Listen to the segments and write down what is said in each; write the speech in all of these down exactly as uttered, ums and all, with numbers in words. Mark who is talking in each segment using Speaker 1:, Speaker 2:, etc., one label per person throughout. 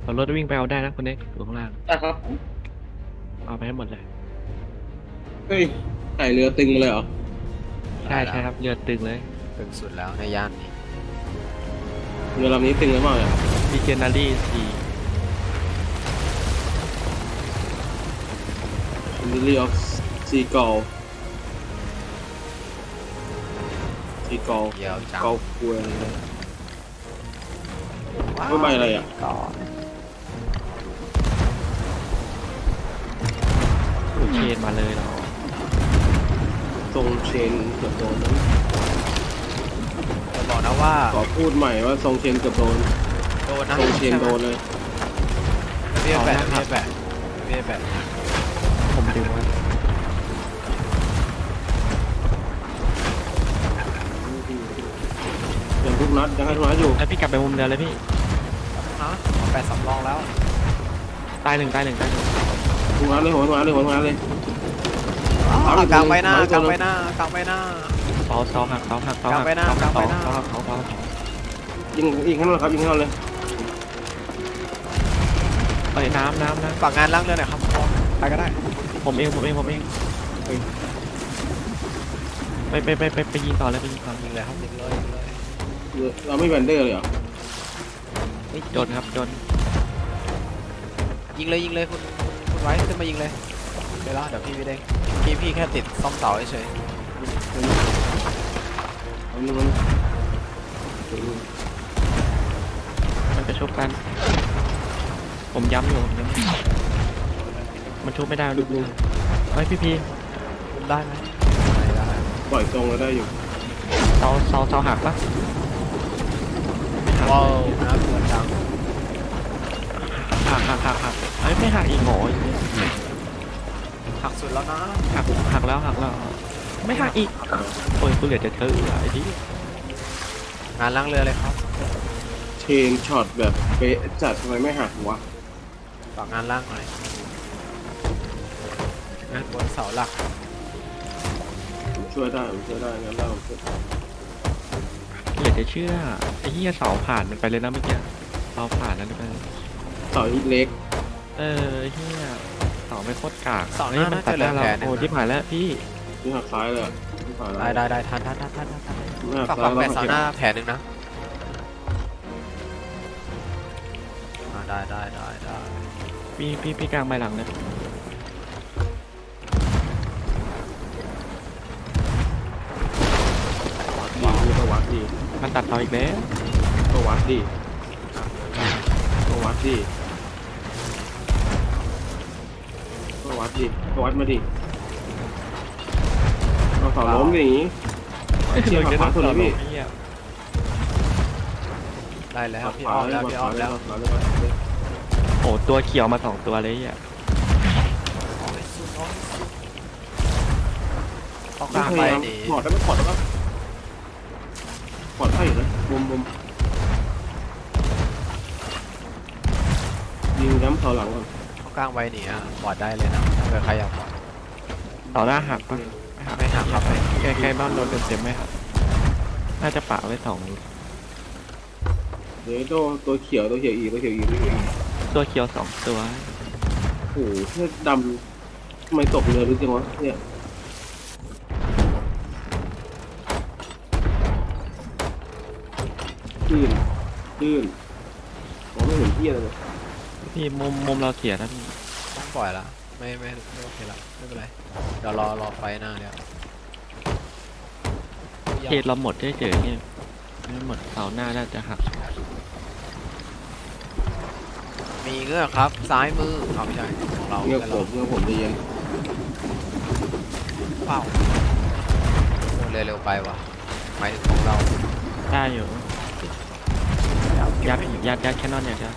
Speaker 1: เอารถวิ่งไปเอาได้นะคุณเน็กอยู่ข้างล่าง
Speaker 2: ได้ครับ
Speaker 1: เอาไปให้หมดเลย
Speaker 3: เฮ้ยไก่เรือตึงมาเลยเหรอ
Speaker 1: ใช่ใช่ครับเรือตึงเลย
Speaker 4: ตึงสุดแล้วในย่านนี้
Speaker 3: เรือลำนี้ตึงหรือเปล่าเนี่ย
Speaker 1: มีเจนารี่สี่
Speaker 3: มิลลี่ออฟซีกอลซีกอล
Speaker 4: เดียวจัง
Speaker 3: กอลกวยอะไรเนี่ยไม่ใบอะไรอ่ะ
Speaker 4: ก่อน
Speaker 1: เชนมาเลยเหรอ
Speaker 3: ทรงเชนเกือบโดนนั้น
Speaker 4: จะบอกนะว่า
Speaker 3: ขอพูดใหม่ว่าทรงเชนเกือบโดน
Speaker 4: โดนนะ
Speaker 3: ทรงเชนโดนเลย
Speaker 4: เบี้ยแบะเบี้ยแบะเบี้ยแบะ
Speaker 1: ผมดึงไว้
Speaker 3: ยังทุกนัดยังให้ทุกนัดอยู่
Speaker 1: แล้วพี่กลับไปมุมเดิมเลยพี่
Speaker 4: นะแปดสำรองแล้ว
Speaker 1: ตายหนึ่งตายหนึ่งตายหนึ่ง
Speaker 3: ทุกนัดเลยหัวทุกนัดเลยหัวทุกนัดเลย
Speaker 4: กลางไปหน้ากลางไปหน้ากลางไปหน้า
Speaker 1: เสาเสาหักเสาหักเสาหัก
Speaker 4: กลับไปหน้า
Speaker 1: เสาก
Speaker 4: ลับ
Speaker 1: เสา
Speaker 4: ไปหน้า
Speaker 1: เสาหักเสาเสา
Speaker 3: ยิงยิงข้างนอกครับยิงข้างนอกเลย
Speaker 1: เอ้ยน้ำน้ำน้
Speaker 4: ฝากงานล่างเรือหน่อยครับไปก็ได้
Speaker 1: ำผมเองผมเองผมเองไปไปไปไปไปยิงต่อเลยไปยิงต่อ
Speaker 4: ยิงเลยครับยิงเลยยิงเลย
Speaker 3: เรือเราไม่แบนเดอร์เลยเหรอ
Speaker 1: โดนครับโดน
Speaker 4: ยิงเลยยิงเลยคุณคุณไว้ขึ้นมายิงเลยเดี๋ยวละเดี๋ยวพี่พี่เด้งพี่พี่แค่ติดซ่อมเสาเฉย
Speaker 3: เอาหนึ่งมัน
Speaker 1: มันจะชุบกัน ผมย้ำอยู่ผมย้ำอยู่มันชุบไม่ได้ดูดูเฮ้ยพี่พี
Speaker 4: คุมได้ไหมไม่ได้
Speaker 3: ปล่อยทรงเราได้อยู่
Speaker 1: เสาเสาเสาหักปะไม่หัก
Speaker 4: ว้าวน่ากลัวจัง
Speaker 1: หักหักหักหักเอ้ยไม่หักอีกโง่
Speaker 4: หักสุดแล้วนะ
Speaker 1: หักหักแล้วหักแล้วไม่หักอีกโอ้ยกูเหลือจะเธอไอ้ที่
Speaker 4: งานล่างเรือเลยครับ
Speaker 3: เชนช็อตแบบเป๊ะจัดทำไมไม่หักวะ
Speaker 4: ฝากงานล่างหน่อยงานบนเสาหลัก
Speaker 3: ผมช่วยได้ผมช่วยได้งั้นเราช่วย
Speaker 1: เหลือจะเชื่อไอ้เหี้ยเสาผ่านมันไปเลยนะเมื่อกี้เสาผ่านแล้วไปเลย
Speaker 3: ต่อฮิตเล็ก
Speaker 1: เออไอ้เหี้ยเสาไม่โคตรกาก
Speaker 4: เสาห
Speaker 1: เฮ้ย
Speaker 4: น้า
Speaker 1: มัน
Speaker 4: น่า
Speaker 1: ตัด
Speaker 4: จะเหลื
Speaker 1: ได้
Speaker 4: อ
Speaker 1: เรา
Speaker 4: แผลหนึ
Speaker 1: โอ้
Speaker 4: ง
Speaker 1: ที่ผ่านแล้วพี่
Speaker 3: นี่หักซ้ายเลยอะที่ผ่าน
Speaker 4: ได้ได้ได้ทันทันทันทันทัน
Speaker 3: ไม่หัก
Speaker 4: ฝาก
Speaker 3: ซ้า
Speaker 4: ฝาย ก
Speaker 3: แล้ว
Speaker 4: แปดเสา
Speaker 3: หัก
Speaker 4: หน้าแผลหนึ่งนะอ่าได้ได้ได้ได้
Speaker 1: พี่พี่พี่กลางใบหลังเลย
Speaker 3: ดีก็วัดดี
Speaker 1: มันตัดเสาอีกแล้ว
Speaker 3: ก็วัดดีก็วัดดีก็วัดดีก็วัดมาดิเราสอนล้มอย่างนี้เชี่ยหักขวาสุดเลยพี่
Speaker 1: ไอ้เหี้ย
Speaker 4: ได้แล้ว
Speaker 3: หัก
Speaker 4: พี่
Speaker 3: ขวา
Speaker 4: อ้อม
Speaker 3: แล้
Speaker 4: แล้ว วพี่อ้อมแล้ว
Speaker 3: หักขวาแล้ว
Speaker 1: โอ้ตัวเขียวมาสองตัวเลยไอ่ะ
Speaker 4: ต้องก
Speaker 3: ไม่
Speaker 4: ลาง
Speaker 3: พ
Speaker 4: ไป
Speaker 3: ยายาม
Speaker 4: ดี
Speaker 3: ถอดได้ไหมถอดได้ไหมถอดได้อยู่นะมุมมุมยิงย้ำเสาหลังก่อน
Speaker 4: ต้องกลางไปหนีอ่ะบอดได้เลยนะถ้าเกิดใครอยากบอด
Speaker 1: เสาหน้าหักปะ
Speaker 4: ไม่หักครับไป
Speaker 1: แกแกบ้านโดนเต็มๆไหมครับน่าจะปะไว้สอง
Speaker 3: เดี๋ยวตัวตัวเขียวตัวเขียวอีกตัวเขียวอีกตัวเขียวอีก
Speaker 1: ตัวเขียวสองตัว
Speaker 3: โอ้โหเพื่อดำทำไมตกเรือรู้จังวะเนี่ยลื่นลื่นมองไม่เห็นที่อะไรเลย
Speaker 1: พี่มุมมุมเราเสียนะพี่
Speaker 4: ต้องปล่อยละไม่ไม่ไม่โอเคละไม่เป็นไรเดี๋ยวรอรอไฟหน้าเดี๋ยว
Speaker 1: เขตเราหมดเฉยๆเนี่ยไม่หมดเสาหน้าน่าจะหัก
Speaker 4: มีเงือกครับซ้ายมือเอาไม่ใช่ของเรา
Speaker 3: เงือก
Speaker 4: แต่
Speaker 3: ผ
Speaker 4: เรา
Speaker 3: มเงือกผมจะเย็น
Speaker 4: เปล่าโอ้เร็วเร็วไปว่ะหมายถึงของเรา
Speaker 1: ได้อยู่ยัดยัดยัดแค่นอนอย่างเดียว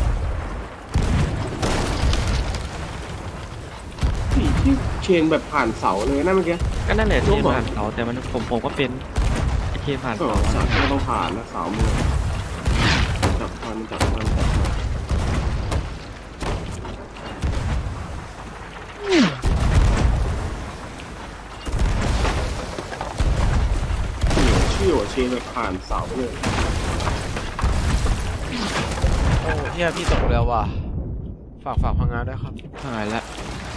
Speaker 3: ที่ที่เชนแบบผ่านเสาเลยนะเมื่อกี้
Speaker 1: ก็นั่นแหละ
Speaker 3: รู
Speaker 1: ที่
Speaker 3: ปเหรอ
Speaker 1: ผ่านเสาแต่มันผมผมก็เป็นไอที่ผ่าน
Speaker 3: ก็
Speaker 1: เสา
Speaker 3: เสาก็ต้องผ่านนะเสามือจับมันจับมันจับมันเชี่ยวเชนแบบผ่านเสาเลย
Speaker 4: โอ้เฮียพี่ตกเรือว่ะฝากฝากพังงานด้วยครับ
Speaker 1: หายละ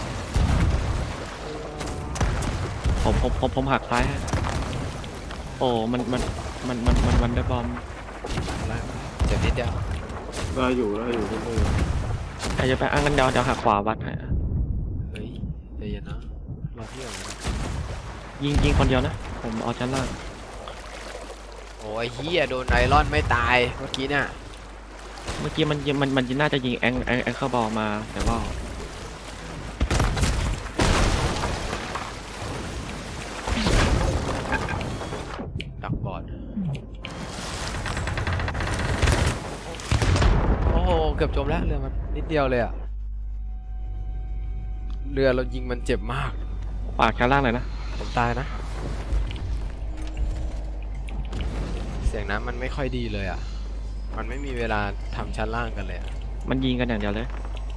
Speaker 1: ผมผมผมผมหักซ้ายฮะโอ้มันมันมันมันมันมันได้บอม
Speaker 4: อะไรเจ็บนิดเดียว
Speaker 3: ได้อยู่ได้อยู่ได้อยู่
Speaker 1: ใครจะไปอ้างกันเดาเดาหักขวาวัดให้อะ
Speaker 4: เฮ้ยใจเย็นนะรอพี่ก่อนนะ
Speaker 1: ยิงยิงคนเดียวนะผมเอาชั้นล่าง
Speaker 4: โอ้ยเฮียโดนไอรอนไม่ตายเมื่อกี้เนี่ย
Speaker 1: เมื่อกี้มันยิงมันมันน่าจะยิงแองแองแองเข้าบอลมาแต่ว่า
Speaker 4: ดักบอดโอ้โหเกือบจมแล้วเรือมันนิดเดียวเลยอะเรือเรายิงมันเจ็บมาก
Speaker 1: ฝากชั้นล่างเลยนะ
Speaker 4: ผมตายนะ เสียงน้ำมันไม่ค่อยดีเลยอะมันไม่มีเวลาทำชั้นล่างกันเลยอะ
Speaker 1: มันยิงกันอย่างเดียวเลย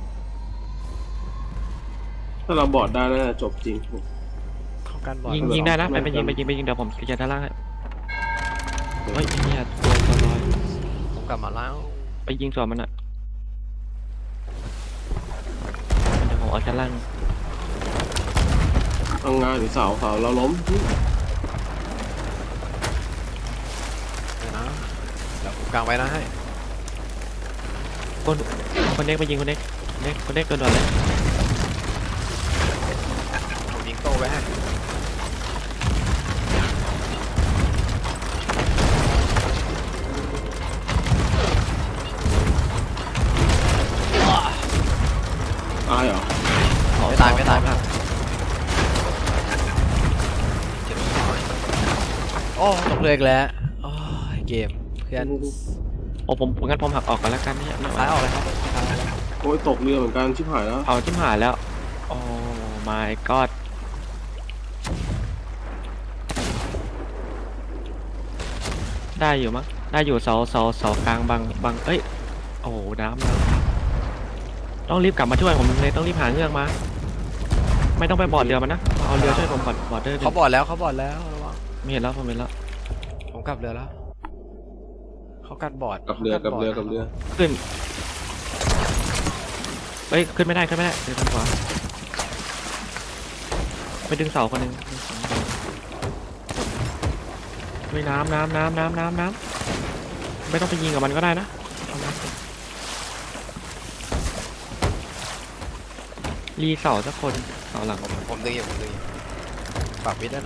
Speaker 3: ถ้าเราบอดได้น่าจะจบจริง
Speaker 4: เข้ากันบอด
Speaker 1: ยิง
Speaker 3: เหรอ
Speaker 1: ยิงได้นะไปไปยิงไปยิงไปยิงเดี๋ยวผมจะชั้นล่างให้เฮ้ยเนี่ยตัวตัวลอย
Speaker 4: ผมกลับมาแล้ว
Speaker 1: ไปยิงสวนมันอ่ะเดี๋ยวผมเอาชั้นล่าง
Speaker 3: ทำงานหรือเสาเสาเราล้ม
Speaker 4: เดี๋ยวนะเดี๋ยวผมกางไว้นะให้
Speaker 1: คนคนเด็กไปยิงคนเด็กเด็กคนเด็กตัวด่วนเลย
Speaker 4: ผมยิงโต้ไว้ให้
Speaker 3: ตายเหรอ
Speaker 4: ไม่ตายไม่ตายไม่ตายเจ็บน้อยโอ้ตกเรืออีกแล้วโอ้ยเกมเพื่อน
Speaker 1: โอ้ผมงั้นผมหักออกกันแล้วกันเนี่ยไม่ไหว
Speaker 4: ซ้ายออกเลยครับซ้ายออกเลย
Speaker 3: โอ้ยตกเรือเหมือนกันชิบหายแล้ว
Speaker 1: เอาจิ้มหายแล้วโอ้ my god ได้อยู่มั้งได้อยู่เสาเสาเสากลางบางบางเอ้ยโอ้โหน้ำน้ำต้องรีบกลับมาช่วยผมเลยต้องรีบหาเงือกมา ไม่ต้องไปบอร์ดเรือมันนะเอาเรือช่วยผมก่อนบอร์ดเรือ
Speaker 4: เขาบอดแล้วเขาบอดแล้วระวัง
Speaker 1: ไม่เห็นแล้วผมเห็นแล้ว
Speaker 4: ผมกลับเรือแล้วเขากันบอด
Speaker 3: กับเรือกับเรือกับเรือ
Speaker 1: ขึ้นเฮ้ยขึ้นไม่ได้ขึ้นไม่ได้เรือทางขวาไปดึงเสาคนหนึ่งเฮ้ยน้ำน้ำน้ำน้ำน้ำน้ำไม่ต้องไปยิงกับมันก็ได้นะเอาน้ำรีเสาสักคนเสาหลัง
Speaker 4: ผมผมดึงอยู่ผมดึงอยู่ฝากวิทย์ด้วยนะ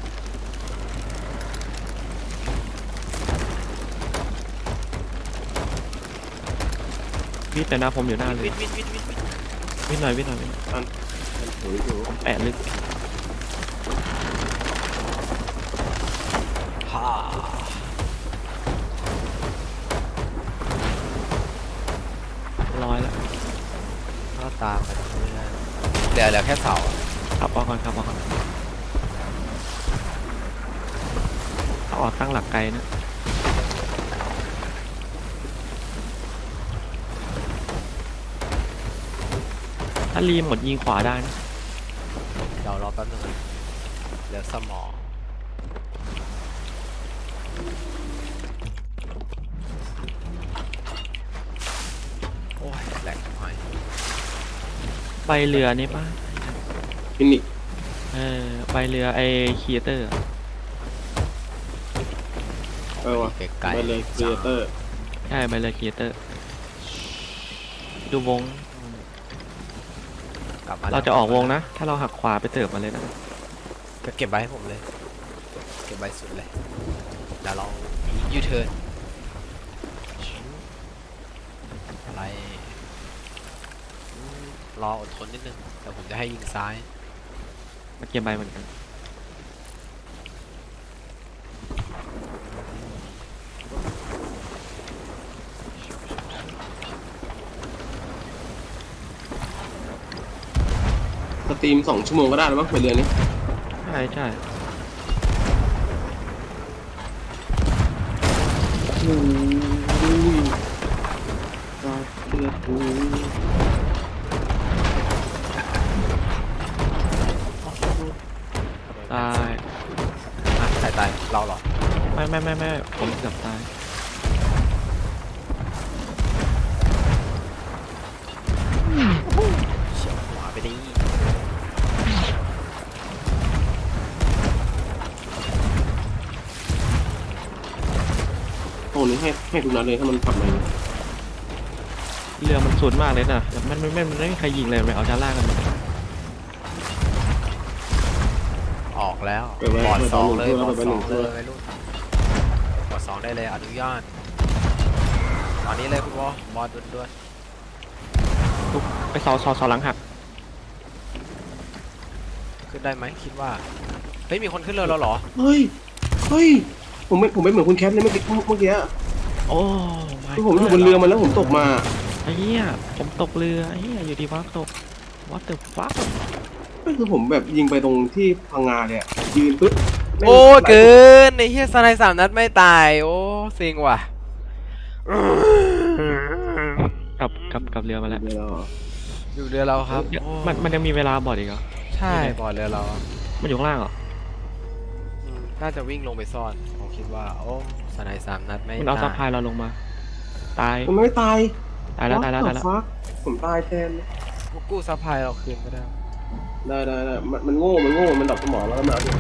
Speaker 1: วิทย์แต่นะผมอยู่หน้าเลย
Speaker 4: วิทย์วิทย์วิทย์วิทย์วิทย์
Speaker 1: วิทย์หน่อยวิทย์หน่อยวิทย์หน่อย
Speaker 3: โอ้ยอยู่
Speaker 1: ผมแปะลึก
Speaker 4: ฮ่า
Speaker 1: ร้อยแล้ว
Speaker 4: ก็ตามไปเรื่อยๆเหลือเหลือแค่เสาอะ
Speaker 1: ขับออกก่อนขับออกก่อนเอาออกตั้งหลักไกลนะถ้ารีหมดยิงขวาได้นะ
Speaker 4: เดี๋ยวรอแป๊บนึงนะเหลือสมองโอ้ยแหลกหน่อย
Speaker 1: ใบเรือนี่ป่ะ
Speaker 3: ฟินิก
Speaker 1: เออใบเรือไอคีเตอร์
Speaker 3: เออวะ
Speaker 4: ไกล
Speaker 3: ไป
Speaker 4: ๆ
Speaker 3: เลยครีเอเตอร์
Speaker 1: ใช่ใบเรือคีเตอร์ ดูวง
Speaker 4: กลับมา
Speaker 1: เราจะออกวงนะ ถ้าเราหักขวาไปเติบมาเลยนะ
Speaker 4: ก็เก็บไว้ให้ผมเลย เก็บไว้สุดเลยเดี๋ยวเรายูเทิร์นอะไรอืมรออดทนนิดนึงเดี๋ยวผมจะให้ยิงซ้าย
Speaker 1: มาเก็บใบเหมือนกัน
Speaker 3: สตรีมสองชั่วโมงก็ได้แล้วมั้งไปเรือนี้
Speaker 1: ใช่ใช่
Speaker 3: โอ้ยตายเรือกู
Speaker 1: ตาย
Speaker 4: อ่ะใครตายเราเหรอ
Speaker 1: ไม่ไม่ไม่ไม่ผมเกือบตาย
Speaker 3: รงนี้ให้ให้ทุกนัดเลยถ้ามันขับมา
Speaker 1: เรือมันสุดมากเลยนะแต่มันไม่ไม่มันไม่มีใครยิงเลยไปเอาชั้นล่างกัน
Speaker 4: ออกแล้ว
Speaker 3: ไปไว้
Speaker 4: บอร์ด
Speaker 3: ไป
Speaker 4: สอง
Speaker 3: ไป
Speaker 4: เลย
Speaker 3: หนึ่ง
Speaker 4: บอร์ด
Speaker 3: ไป
Speaker 4: ส
Speaker 3: หนึ่
Speaker 4: อง
Speaker 3: ง
Speaker 4: เลยไปรุ่นบอร์ดสองได้เลยอนุญาตตอนนี้เลยคุณวอบอร์ดด่วน
Speaker 1: ทุกไปเสาเสาเสาหลังหัก
Speaker 4: ๆขึ้นได้ไหมคิดว่าเฮ้ยมีคนขึ้นเรือเราเหรอ
Speaker 3: เฮ้ยเฮ้ยผมไม่ผมไม่เหมือนคุณแคทเลยเมื่อกี้เมื่อกี้
Speaker 1: โอ้ไม่
Speaker 3: คือผมอยู่บนเรือมาแล้วผมตกมา
Speaker 1: ไอ้เหี้ยผมตกเรือไอ้เหี้ยอยู่ดีวักตก what the fuck
Speaker 3: ก็คือผมแบบยิงไปตรงที่พังงาเนี่ยยืนปึ๊บ
Speaker 4: โอ้เกินในเฮียสไนด์สามนัดไม่ตายโอ้ซิงว่ะ
Speaker 1: กลับกลับกลับเรือมาแล้ว
Speaker 3: เดี๋ยวเรา
Speaker 4: อยู่เรือเราครับโอ้
Speaker 1: มันมันยังมีเวลาบอดอีกเหรอ
Speaker 4: ใช่บอร์ดเรือเราอะ
Speaker 1: มันอยู่ข้างล่างเหรอ
Speaker 4: อืมน่าจะวิ่งลงไปซ่อนผมคิดว่าโอ้สไนด์สามนัดไม่
Speaker 1: มันเอาซัพพลา
Speaker 4: ตาย
Speaker 1: ยเราลงมา ตาย
Speaker 3: มันไม่ตาย
Speaker 1: ตายแล้วตายแล้วตายแล้ว
Speaker 3: ฟักผมตายแทน
Speaker 4: พวกกู้ซัพพลายเราคืนก็ได้
Speaker 3: ได้ได้ได้มันมันโง่มันโง่มันดับสมองแล้วก็มาเอาเดี๋ยว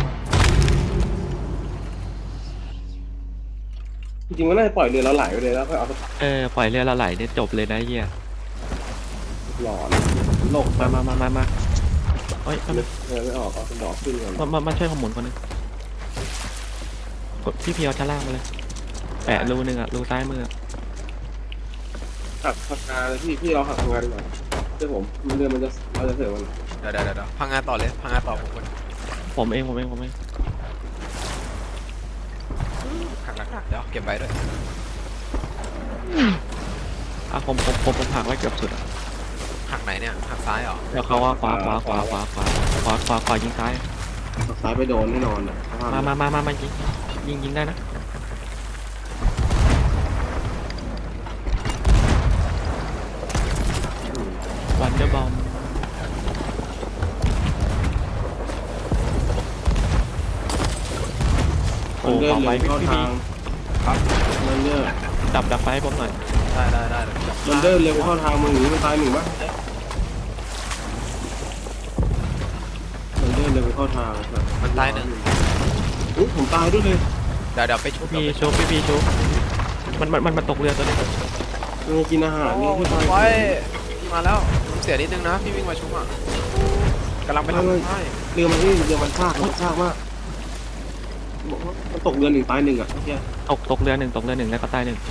Speaker 3: จริงๆมันน่าจะปล่อยเรือเราไหลไปเลยแล้วค่อยเอาไป
Speaker 1: เออปล่อยเรือเราไหลเนี่ยจบเลยนะไอ้เหี้ย
Speaker 3: หลอนโลก
Speaker 1: มามามามามาเฮ้ยมา
Speaker 3: นึกเรือไม่ออกเอาเป็นดอกขึ้นก่อน
Speaker 1: มามามาช่วยขมุนคนหนึงกดพี่เพียวชั้นล่างมาเลย แปะรูหนึ่งอะรูซ้ายมืออะ
Speaker 3: หักพังงาเลยพี่พี่เราหักพังงาดีกว่าเชื่อผมมันเรือมันจะเราจะเสือมัน
Speaker 4: เดี๋ยวเดี๋ยวเดี๋ยวพังงานต่อเลยพังงานต่อผมคน
Speaker 1: ผมเองผมเองผมเอง
Speaker 4: หักหลักๆเดี๋ยวเก็บไว้ด้วย
Speaker 1: อ่ะผมผมผมผมหักไว้เกือบสุดอะ
Speaker 4: หักไหนเนี่ยหักซ้ายเหรอ
Speaker 1: แล้วเขาว่าขวาขวาขวาขวาขวาขวาขวาขวายิงซ้าย
Speaker 3: หักซ้ายไปโดนแน่นอนอ่ะ
Speaker 1: มามามามามายิงยิงยิงได้นะวันเดอร์บอมโอ้
Speaker 3: มันเดิน
Speaker 1: เอา
Speaker 3: เร็
Speaker 1: ไว้
Speaker 3: ว
Speaker 1: พี่
Speaker 3: เข้า
Speaker 1: พี่
Speaker 3: ทางมันเดิน
Speaker 1: ดับดับไฟให้ผมหน่อย
Speaker 4: ได้ได้ได้เดี๋ยวจับ
Speaker 3: มันเดินเร็วเข้าทางมึงหรือมันตายหนึ่งปะมันเดินเร็วเข้าทาง
Speaker 4: มันตายหนึ่ง
Speaker 3: อุ้ยผมตายด้วยเลย
Speaker 4: เดี๋ยวเดี๋ยวไปชุบ
Speaker 1: พี่
Speaker 4: เดี๋ยวไป
Speaker 1: ชุบพี่พี่ชุบมันมันมันมันตกเรือตัวนี้
Speaker 3: มันกินอาหารนี่
Speaker 4: โอ้
Speaker 3: ที่
Speaker 4: ชุ
Speaker 3: ตา
Speaker 4: บ
Speaker 3: ย
Speaker 4: ไว้พี่มาแล้วเสียนิดนึงนะพี่วิ่งมาชุบอ่ะกำลังไปทำให้
Speaker 3: เรือมันนี่เรือมันซากมันซากมากบอกว่ามันตกเรือหนึ่งตายหนึ่งอ่ะเฮีย
Speaker 1: ตกตกเรือหนึ่งตกเรือหนึ่งแล้วก็ตายหนึ่ง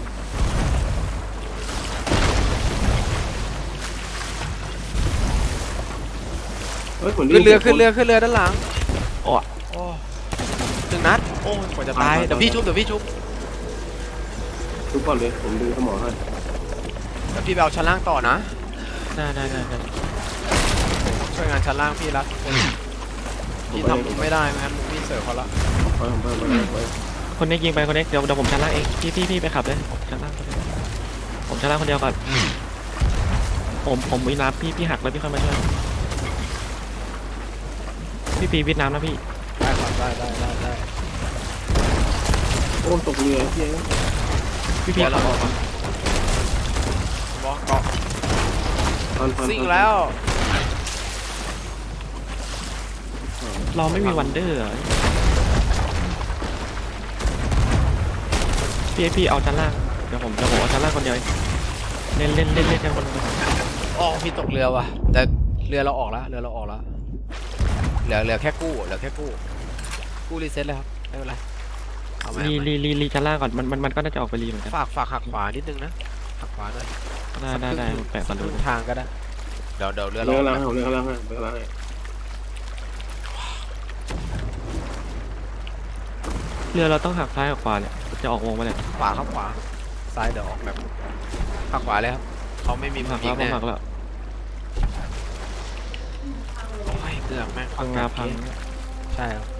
Speaker 3: เฮ้ยเหมือน
Speaker 4: ขึ้นเรือขึ้นเรือขึ้นเรือด้านหลัง
Speaker 1: โอ้
Speaker 4: โอ้หนึ่งนัดโอ้ยกว่าจะตายเดี๋ยวพี่ชุบเดี๋ยวพี่ชุบ
Speaker 3: ทุกคนเลยผมดูสมองให้
Speaker 4: เดี๋ยวพี่ไปเอาชั้นล่างต่อนะ
Speaker 1: ได้ได้ได้ได้
Speaker 4: ช่วยงานชั้นล่างพี่รักพี่ทำมุมไม่ได้ไม่งั้นมุมพี่เสิร์ฟเขาละ
Speaker 3: ไปไปไปไป
Speaker 1: คนนี้ยิงไปคนนี้เดี๋ยวเดี๋ยวผมชั้นล่างเองพี่พี่พี่ไปขับเลยผมชั้นล่างคนเดียวผมชั้นล่างคนเดียวก่อนผมผมวิน้ำพี่พี่หักแล้วพี่ค่อยมาช่วยพี่ปีวิดน้ำนะพี่
Speaker 4: ได้ครับได้ได้ได้ได้
Speaker 3: โอ้ตกเรือเฮีย
Speaker 1: พี่พี่ขับออกก่อน
Speaker 4: บอสเกาะ
Speaker 3: พันพัน
Speaker 4: ซิ่งแล้ว
Speaker 1: เราไม่มีวันเดอร์อะพี่พี่เอาชั้นล่างเดี๋ยวผมเดี๋ยวผมเอาชั้นล่างคนเดียวเองเล่นเล่นเล่นเล่นกันบนบน
Speaker 4: อ๋อพี่ตกเรือว่ะแต่เรือเราออกแล้วเรือเราออกแล้วเหลือเหลือแค่กู้เหลือแค่กู้กู้รีเซ็ตเลยครับไม่เป็นไรเอาไหม
Speaker 1: รี
Speaker 4: เอาไหม
Speaker 1: รีรีรีชั้นล่างก่อนมันมันมันก็น่าจะออกไปรีเหมือนกัน
Speaker 4: ฝากฝากหักขวานิดนึงนะหักขวาหน่อย
Speaker 1: ได้ได้ได้ผมแปะ
Speaker 4: สั
Speaker 1: ก่อก น
Speaker 4: ค
Speaker 1: ดู
Speaker 4: รึ่งทางก็ได้เดี๋ยวเดี๋ยวเรือ
Speaker 3: เรือ
Speaker 4: เรา
Speaker 3: ล่างให้เรือล่างให้เรือล่างให้
Speaker 1: เรือเราต้องหักซ้ายกับขวาเนี่ยจะออกวงไปเนี่ย
Speaker 4: ขวาครับขวาซ้ายเดี๋ยวออกแบบหักขวาเลยครับเขาไม่มีมุ
Speaker 1: หั
Speaker 4: ม
Speaker 1: ก
Speaker 4: ยิ
Speaker 1: แล้ว
Speaker 4: ง
Speaker 1: ผม
Speaker 4: แน่
Speaker 1: หักแล้ว
Speaker 4: โอ้ยเกือบแม่ง
Speaker 1: พังงาพัง
Speaker 4: ใช่ครับ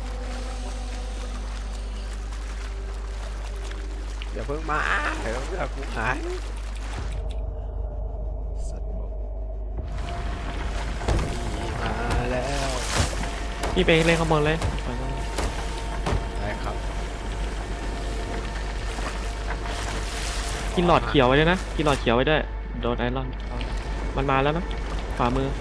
Speaker 4: อย่าเพิ่งมาเดี๋ยวเรือกูหายสัตว์บอกมีมาแล้ว
Speaker 1: พี่ไปเล่นข้างบนเลย
Speaker 4: ได้ครับ
Speaker 1: กินหลอดเขียวไว้ด้วยนะกินหลอดเขียวไว้ด้วยโดนไอรอนมันมาแล้วนะขวามือ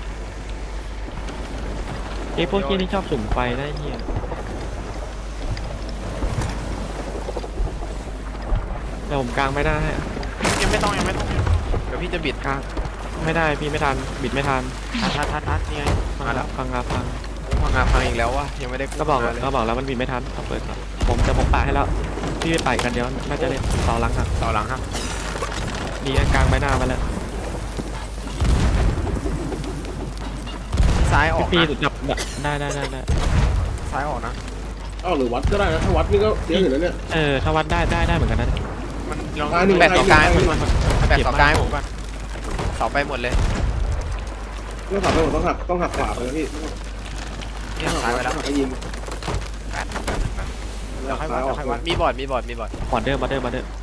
Speaker 1: ไอ้พวกที่นี่ชอบสุ่มไฟได้เหี้ยเดี๋ยวผมกลางไม่ได้ให้อะ
Speaker 4: ยังไม่ต้องยังไม่ต้องยังไม่ต้องเดี๋ยวพี่จะบิด
Speaker 1: กลางไม่ได้พี่ไม่ทันบิดไม่ทัน
Speaker 4: ทัดทัดทัดทัดนี่ไง
Speaker 1: พัง
Speaker 4: มา
Speaker 1: แล้
Speaker 4: แล้ว ว
Speaker 1: พังงาพัง
Speaker 4: พังงาพังอีกแล้ววะยังไม่ได้
Speaker 1: ก็บอก
Speaker 4: มาเลย
Speaker 1: ก็บอกแล้วมันบิดไม่ทันเอาเปิดก่อนผมจะผมปาให้แล้วพี่ไปไปกันเดี๋ยวน่าจะได้ต่อหลังครับ
Speaker 4: ต่อหลังครับ
Speaker 1: มีอันกลางใบหน้ามาแล้ว
Speaker 4: ซ้ายออก
Speaker 1: พี่
Speaker 4: นะ
Speaker 1: พี่จับได้ได้ได้ได้
Speaker 4: ซ้ายออกนะ
Speaker 3: อ้าวหรือวัดก็ได้นะถ้าวัดนี่ก็เสียอยู่แล้วเนี่ย
Speaker 1: เออถ้าวัดได้ได้ได้เหมือนกันนะ
Speaker 4: มันลอง
Speaker 3: ซ้ายหนึ่ง
Speaker 4: แบตต่อกลาง
Speaker 3: ซ้ายหนึ่ง
Speaker 4: มันแบตต่อกลางให้ผมก่อนเสาไปหมดเลย
Speaker 3: ต้องหักไปหมดต้องหักต้องหักขวาไปนะพี่
Speaker 4: เนี่ยซ้ายไปแล้ว
Speaker 3: ต้องหักให้ยิง
Speaker 4: แปดแปดแปดเดี๋ยวค่อยวัดเดี๋ยวค่อยวัดมีบอร์ดมีบอร์ดมีบอร์ด
Speaker 1: บอดเดอร์บอดเดอร์บอดเดอร์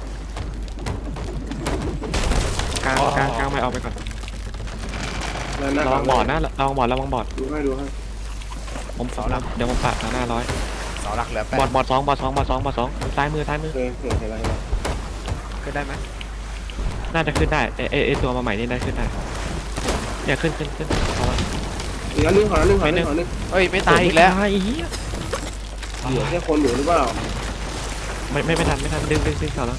Speaker 1: กลาง
Speaker 4: อ๋อ
Speaker 1: กลางกลางไม่เอาไปก่อน
Speaker 3: แล้วหน้า
Speaker 1: ระวังบอดนะระวังบอดระวังบอด
Speaker 3: ดูให้ดูให้
Speaker 1: ผมสองเดี๋ยวผมปาดหน้าร้อย
Speaker 4: เสาหลักเหลือแปด
Speaker 1: บอดบอดสองบอดสองบอดสองบอดสองซ้ายมือซ้ายมือ
Speaker 3: เคยเห็นอะไรนะ
Speaker 4: ขึ้นได้ไหม
Speaker 1: น่าจะขึ้นได้เอเอเอตัวมาใหม่นี่ได้ขึ้นได้เนี่ยขึ้นขึ้นขึ้นเอาวะ
Speaker 3: อีกอันนึงขออันนึงขออันนึงขออันนึง
Speaker 4: เฮ้ยไม่ตายอีกแล้ว
Speaker 1: ตายอีกเหี้ย
Speaker 3: เหลือแค่คนอยู่หรือเปล่า
Speaker 1: ไม่ไม่ไม่ทันไม่ทันดึงดึงดึงต่อแล้ว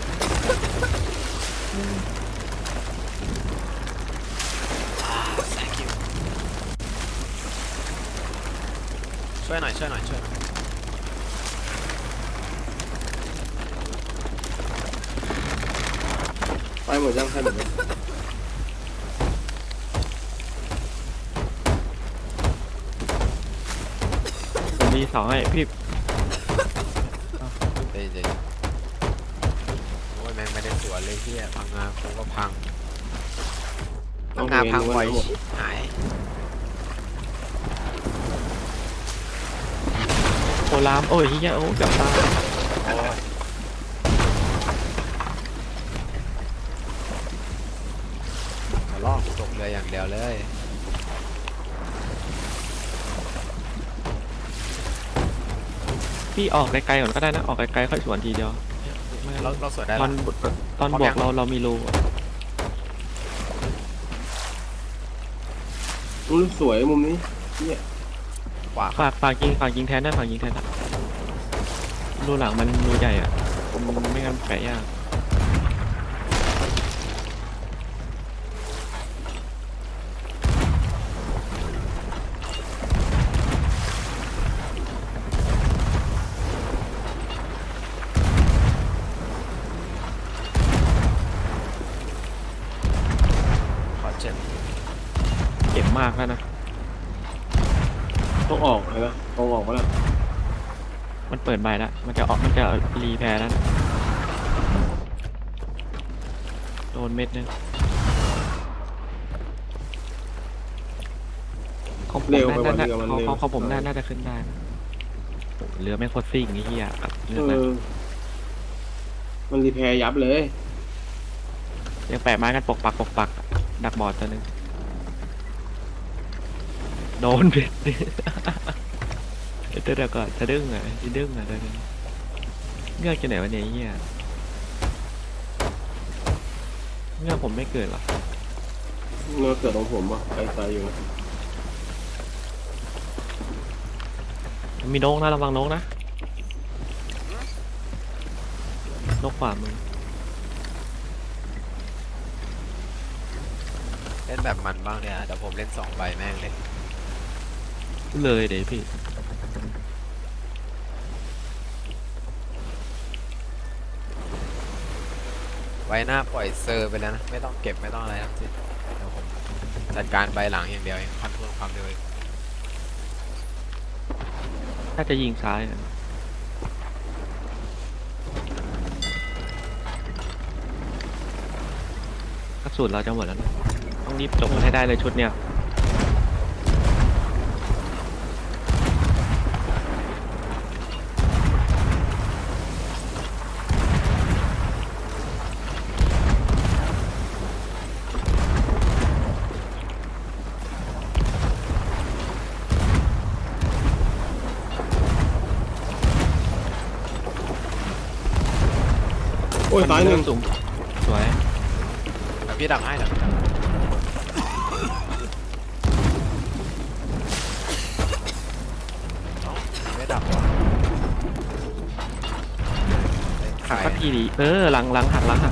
Speaker 4: thank you ช่วยหน่อยช่วยหน่อยช่วยหน่อย
Speaker 3: ไปหมดยังใครหมดยัง
Speaker 1: ผมมีสองให้พี่
Speaker 4: เดี๋ยวเดี๋ยวโอ้ยแม่งไม่ได้สวนเลยที่พังงาคงก็พังพังงาพังบ่อยชิบหาย
Speaker 1: โอลามโอ้ยเฮียโอ้เกือบตาย
Speaker 4: โอ้ยมาลอกตกเรืออย่างเดียวเลย
Speaker 1: พี่ออกไกลๆก่อนก็ได้นะออกไกลๆค่อยสวนทีเดียวไม่
Speaker 4: เรา
Speaker 1: งั้น
Speaker 4: เราสวนได้
Speaker 1: ต
Speaker 4: แล้
Speaker 1: อน
Speaker 4: ว
Speaker 1: ตอน
Speaker 4: พร้อม
Speaker 1: บว
Speaker 4: ยั
Speaker 1: ก
Speaker 4: ง
Speaker 1: เราเรามีรู
Speaker 3: มุมสวยมุมนี้เนี่ย
Speaker 4: ขวา
Speaker 1: ฝากฝากยิงฝากยิงแทนได้ฝากยิงแทนได้รูหลังมันรูใหญ่อ่ะผมไม่งั้นแปะยาก
Speaker 4: ขอเจ็ด
Speaker 1: เจ็บมากแล้วนะ
Speaker 3: ต้องออกเลยนะต้องออกมาแล้ว
Speaker 1: มันเปิดใบแล้วมันจะออกมันจะรีแพร์แล้วนะโดนเม็ดนึงของผม
Speaker 3: เร็วไป
Speaker 1: น่า
Speaker 3: วัน
Speaker 1: น่า
Speaker 3: เดียวมัน
Speaker 1: ของ
Speaker 3: เร็ว
Speaker 1: ของของผมน่าน่าจะขึ้นได้นะโอ้โหเรือไม่โคตรซิ่งไอ้เหี้ยกับเรือ
Speaker 3: เอ
Speaker 1: นะ
Speaker 3: อมันรีแพร์ยับเลย
Speaker 1: ยังแปะไม้กันปกปักปกปักดักบอดตัวหนึงโดนเบ็ด เดี๋ยวเดี๋ยวก่อนจะดึงอ่ะจะดึงอ่ะเดี๋ยวเดี๋ยวเงือกจะไหนวะเนี่ยไอ้เหี้ยเงือกผมไม่เกิดหรอ
Speaker 3: เนื้อเกิดของผมอ่ะไกลๆอยู่นะ
Speaker 1: มีนกนะระวังนกนะนกขวามือ
Speaker 4: เล่นแบบมันบ้างเนี่ยเดี๋ยวผมเล่นสองใบแม่งเลย
Speaker 1: เลยเดี๋ยวพี่
Speaker 4: ไว้หน้าปล่อยเซอร์ไปแล้วนะไม่ต้องเก็บไม่ต้องอะไรทั้งสิ้นเดี๋ยวผมจัดการใบหลังอย่างเดียวเองคอนโทรลความเร็วเอง
Speaker 1: ถ้าจะยิงซ้ายอะกระสุนเราจะหมดแล้วนะต้องรีบจบมันให้ได้เลยชุดเนี้ย
Speaker 3: โอ้ยตายหนึ่ง
Speaker 1: สูงสวย
Speaker 4: เดี๋ยวพี่ดักให้เดี๋ยวพี่ดักเอ้าไม่ดักวะ
Speaker 1: หักสักทีดิเออหลังหลังหักหลังหัก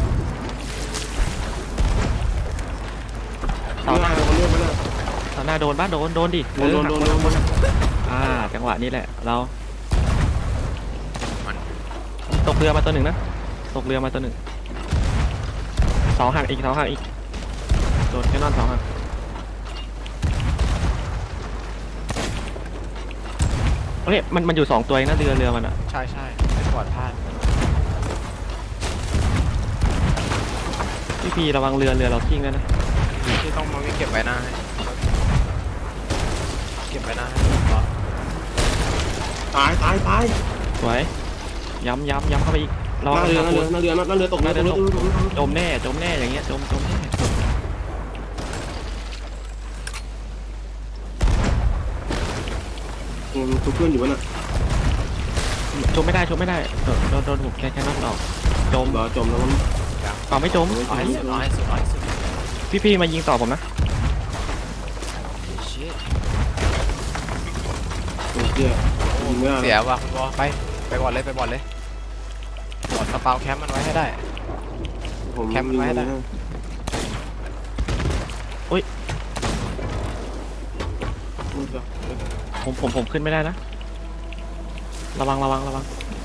Speaker 1: เสาหน้า
Speaker 3: เลื่อนไปแล้ว
Speaker 1: เสาหน้าโดนบ้านโดนโดนดิ
Speaker 3: โดนโดนโดนโดนโดน
Speaker 1: อ่าจังหวะนี้แหละเราตกเรือมาตัวหนึ่งนะตกเรือมาตัวหนึ่งเสาหักอีกเสาหักอีกโดนแค่นอนเสาหักเฮ้ยมันมันอยู่สองตัวเองนะเรือเรือมันอะ
Speaker 4: ใช่ใช่ไม่ปลอดพลาด
Speaker 1: พี่พีระวังเรือเรือเราทิ้งด้วยนะ
Speaker 4: ที่ต้องมาวิ่งเก็บไว้หน้าให้เก็บไว้หน้าให้ต่อ
Speaker 3: ตายตายตาย
Speaker 1: สวยย้ำย้ำย้ำเข้าไปอีกระ
Speaker 3: ห
Speaker 1: วัง
Speaker 3: น้าเรือ
Speaker 1: นะ
Speaker 3: หน้าเรือหน้าเรือหน้าเรือตกเรือตกเรือตกเรือ
Speaker 1: จมแน่จมแน่อย่างเงี้ยจมจมแน่
Speaker 3: ตัวเพื่อนอยู่วะน่ะ
Speaker 1: จมไม่ได้จมไม่ได้โดนโดนโดนผมแค่แค่นั้นออกจม
Speaker 3: รอจมแล้วมัน
Speaker 1: ก่อนไม่จม
Speaker 4: เอาให้สุดเอาให้สุดเอาให้สุด
Speaker 1: พี่พี่มายิงต่อผมนะ
Speaker 4: ชิต
Speaker 3: ตัวเชี่ยยิงไม่ได้
Speaker 4: เสียว่ะคุณบอไปไปบอลเลยไปบอลเลยบอลสปาวแคมป์มันไว้ให้ได้
Speaker 3: ผม
Speaker 4: แคมป์ไว้ได้
Speaker 1: ผมผมผมขึ้นไม่ได้นะระวังระวังระวัง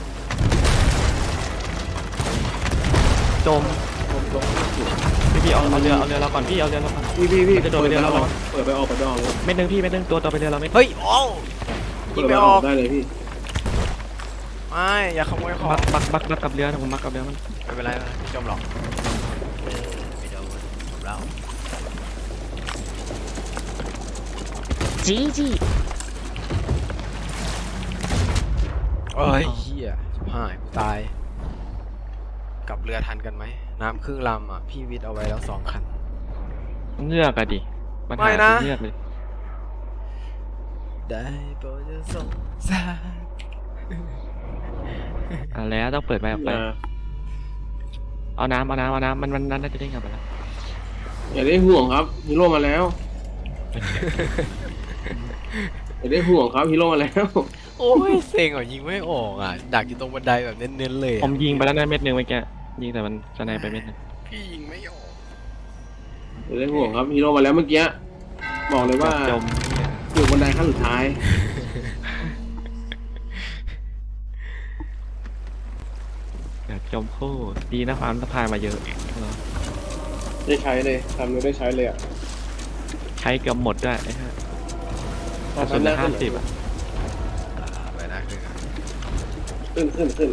Speaker 1: จมพี่พี่เอาเอาเรือเอาเรือเราก่อนพี่เอาเรือเราก่อน
Speaker 3: พี่พี่พี่
Speaker 1: มันจะโดนไปเรือเรา
Speaker 3: เปิดไปออกไปดองเลย
Speaker 1: เม็ดหนึงพี่เม็ดหนึงตัวต่อไปเรือเราเม็ด
Speaker 4: เฮ้ยโอ้ยิ
Speaker 3: เปิ
Speaker 4: ง
Speaker 3: ดไป
Speaker 4: ไม่
Speaker 3: อ
Speaker 4: อ
Speaker 3: อ
Speaker 4: อก ก
Speaker 3: ได้เลยพี่
Speaker 4: ไม่อย่าขโมยของ
Speaker 1: บักบักบักบักกับเรือนะผมบักกับเรือมัน
Speaker 4: ไม่เป็นไรไม่จมหรอกไม่โดนจมแล้ว
Speaker 2: จีจี
Speaker 4: เอ้ยเฮียชิบหายกูตายกลับเรือทันกันไหมน้ำครึ่งลำอ่ะพี่วิทย์เอาไว้แล้วสองคัน
Speaker 1: เงือกอะดิปัญ
Speaker 4: ไม่
Speaker 1: หา
Speaker 4: นะ
Speaker 1: คือเงือกเลย
Speaker 4: ได้โปรดจะสงสาร
Speaker 1: อ่ะแล้วต้องเปิดไปออกไปเอาน้ำเอาน้ำเอาน้ำมันมันน่าจะได้กลับไปแล้ว
Speaker 3: อย่าได้ห่วงครับฮีโร่มาแล้วอย่าได้ห่วงครับฮีโร่มาแล้ว
Speaker 4: โอ้ยเซ็งอ่ะยิงไม่ออกอ่ะดักอยู่ตรงบันไดแบบเน้นๆเลยอะ
Speaker 1: ผมยิงไปแล้วนะเม็ดหนึ่งเมื่อกี้ยิงแต่มันสไนไปเม็ดหนึง
Speaker 4: พี่ยิงไม่ออก
Speaker 3: อย่าได้ห่วงครับฮีโร่มาแล้วเมื่อกี้บอกเลยว่า
Speaker 1: จม
Speaker 3: อยู่บนไดขั้นสุดท้าย
Speaker 1: เดี๋ยวจมคู่ดีนะความสะพายมาเยอะเนอะ
Speaker 3: ได้ใช้เลยทำเลยได้ใช้เลยอ่ะ
Speaker 1: ใช้เกือบหมดด้วยไอ้ฮะกระสุนเหลือห้าสิบอ่ะ
Speaker 4: อ่าไปนะคืออ่ะ
Speaker 3: ขึ้นขึ้นขึ้น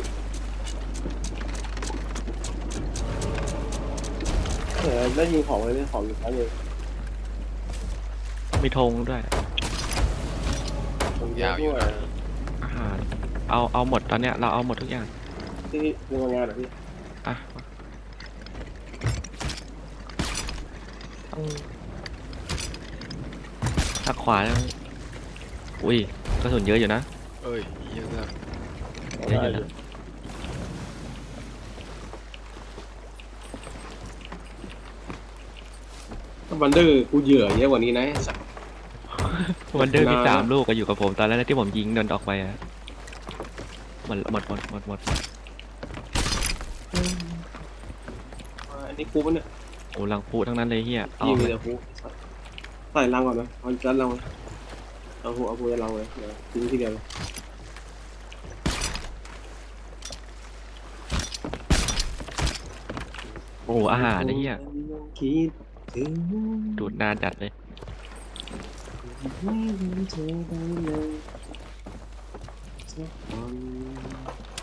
Speaker 3: เออได้ยิงของเลยได้ของอยู่ชั้นเลย
Speaker 1: มีธงด้วย
Speaker 3: ผมยาวอยู่
Speaker 1: อาหารเอาเอาหมดตอนเนี้ยเราเอาหมดทุกอย่าง
Speaker 3: ที่โรงงานเหรอพี่
Speaker 1: อ่ะต้องทักขวาแล้วอุ้ยกระสุนเยอะอยู่นะ
Speaker 4: เอ้ยเยอะมาก
Speaker 1: เยอะอยู่นะ
Speaker 3: วันเดอร์กูเหยื่อเยอะกว่านี้นะไอ้สัส
Speaker 1: วันเดอร์มีสามลูกก็อยู่กับผมตอนแรกที่ผมยิงโดนออกไปอะหมดหมดหมดหมดหมด
Speaker 3: อันนี้กูปะเนี่ย
Speaker 1: โอ้ลังพูทั้งนั้นเลยเฮียเอา
Speaker 3: ยิง
Speaker 1: เล
Speaker 3: เลย ยกูใส่รังก่อนนะเอาจัดรังเลยเอาหัวเอาหัวรังเลยเดี๋ยวทิ้งทีเดียวเลย
Speaker 1: โอ้อาหารไอ้เฮีย
Speaker 3: คิดถึง
Speaker 1: ดูดนานจัดเลย
Speaker 3: ไม่ลืมเธอได้เลยสักวัน